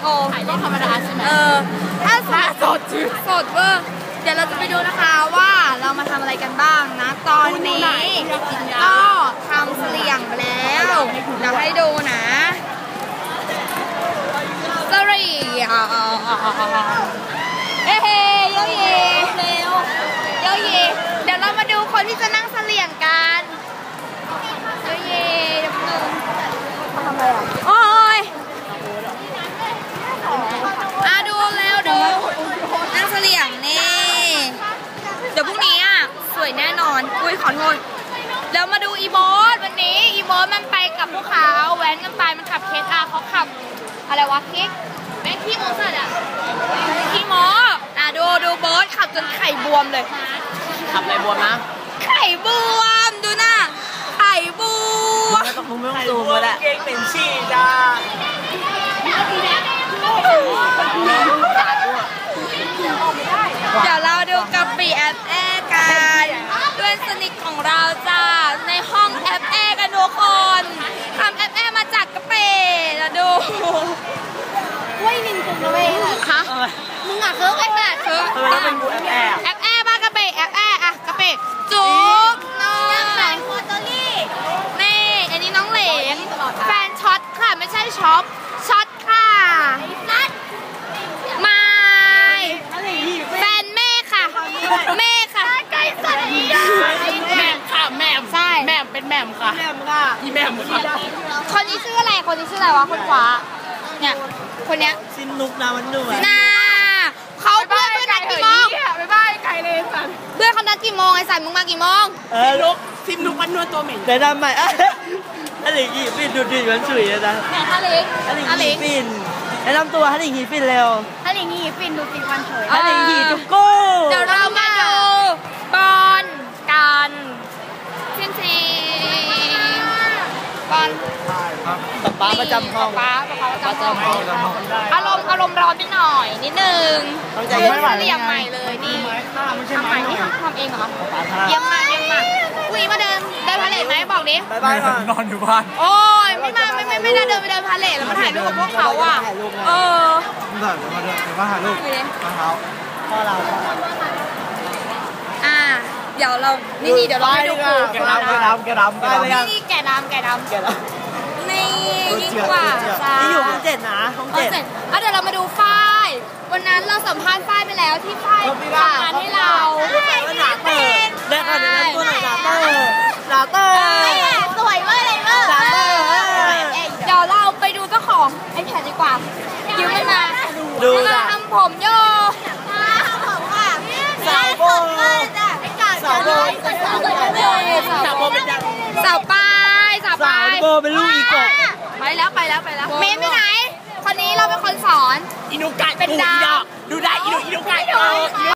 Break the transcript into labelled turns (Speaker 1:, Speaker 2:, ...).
Speaker 1: โอถ่ายเล่นธรรมดาใช่ไหมถ้าสดเวอร์เดี๋ยวเราจะไปดูนะคะว่าเรามาทำอะไรกันบ้างนะตอนนี้ก็ทำเสลี่ยงไปแล้วเดี๋ยวให้ดูนะเสลี่ยงเฮ้เยอะเย่เร็วเยอะเย่เดี๋ยวเรามาดูคนที่จะนั่งเสลี่ยงกันเยอะเย่เดี๋ยวนึงทำอะไรอ่ะโอ้ยดูแล้วดูนั่งเสลี่ยงนี่เดี๋ยวพรุ่งนี้อ่ะสวยแน่นอนอุ้ยขอโทษแล้วมาดูอีโบสวันนี้อีโบสมันไปกับพวกเขาแว้นกันไปมันขับเคสเขาขับอะไรวะคิกแม่งขี้โมสัตว์อ่ะขี้โมดูโบสขับจนไข่บวมเลย
Speaker 2: ขับอะไรบวมนะ
Speaker 1: ไข่บวมดูหน้าไข่บวม
Speaker 2: มึงไม่ต้องซูมแล้วเก่งเป็นชีจ้า
Speaker 1: เดี๋ยวเราดูกะปิแอปแอกันด้วยสนิทของเราจ้าในห้องแอปแอกันทุกคนทำแอปแอมาจากกะปิแล้วดูว้ยนินจุงเลยฮะมึงอ่ะคือไอ้แบบคือแอปแอบ้ากะปิแอปแออะกะปิจุ๊บน้องแหลงโคตรลี่นี่อันนี้น้องเหลงแฟนช็อตค่ะไม่ใช่ช็อปช็อตค่ะไม่แฟนแม่ค่ะแม่ค่ะไก่สัตว์
Speaker 2: แม่ค่ะแม่
Speaker 1: ใช่
Speaker 2: แม่เป็นแม่ค่ะแม่ค่ะอีแม่ค่ะ
Speaker 1: คนนี้ชื่ออะไรคนนี้ชื่ออะไรวะคนขวาเนี่ยคนเนี้ย
Speaker 2: ซินนุกนามันหนุ่ม
Speaker 1: น่าเขาเพื่อนนัดกี่โมง
Speaker 2: ไปบ้ายไก่เลยสัน
Speaker 1: เพื่อนเขานัดกี่โมงไอ้สันมึงมากี่โมง
Speaker 2: ลุกซิมนุกมันนวดตัวเหม็นแต่ทำไมอะไรกี่ฟินดูดีมันสวยนะ
Speaker 1: ฮาลิง
Speaker 2: ฮาลิงฟินแนะนำตัวฮาลิงฮีฟินเร็ว
Speaker 1: ฮาลิงฮีฟินดูฟินวันเฉย
Speaker 2: ฮาลิงฮีจุกกู้
Speaker 1: เดี๋ยวเรามาดูบอลกันจริงบอล
Speaker 2: ป้าประจำห้อง
Speaker 1: ป้าประจำห้องอารมณ์ร้อนนิดหน่อยนิดนึงเรียงใหม่เลยนี่ทำใหม่นี่ทำเองเหรอเยี่ยมมากอุ้ยมาเดินพาเลทไหมบอกดิ
Speaker 2: บายนอนอยู่บ้าน
Speaker 1: โอ้ยไม่ได้เดินไปเดินพาเลทแล้วมาถ่ายรูปกับพวกเขาอ่ะ
Speaker 2: มาเดินมาถ่ายรูปมาเท้าพ่อเรา
Speaker 1: เดี๋ยวเรานี่เดี๋ยวเราไปดู
Speaker 2: แกดำ
Speaker 1: นี่แกดำนี่ยิ่งกว่า
Speaker 2: นี่อยู่ห้อง7นะห้อง7
Speaker 1: เดี๋ยวเรามาดูฝ้ายวันนั้นเราสัมภาษณ์ฝ้ายไปแล้วที่ฝ้ายฝากงานให้เรา
Speaker 2: ว่าหนาเตอร์ได้ค่ะเดี๋ยวนั้นตัวหนาเตอร์
Speaker 1: สวยมากเลยเเดี๋ยวเราไปดูเจ้าของไอ้แผ่นดีกว่ายืมมันมา
Speaker 2: ดู
Speaker 1: ทำผมโย
Speaker 2: สาวโบ
Speaker 1: สาวป้าย
Speaker 2: โบเป็นลูกอีกบ
Speaker 1: ไปแล้วเมนไปไหนคนนี้เราเป็นคนสอน
Speaker 2: อินุกะเป็นดาวดูได้อินุกะ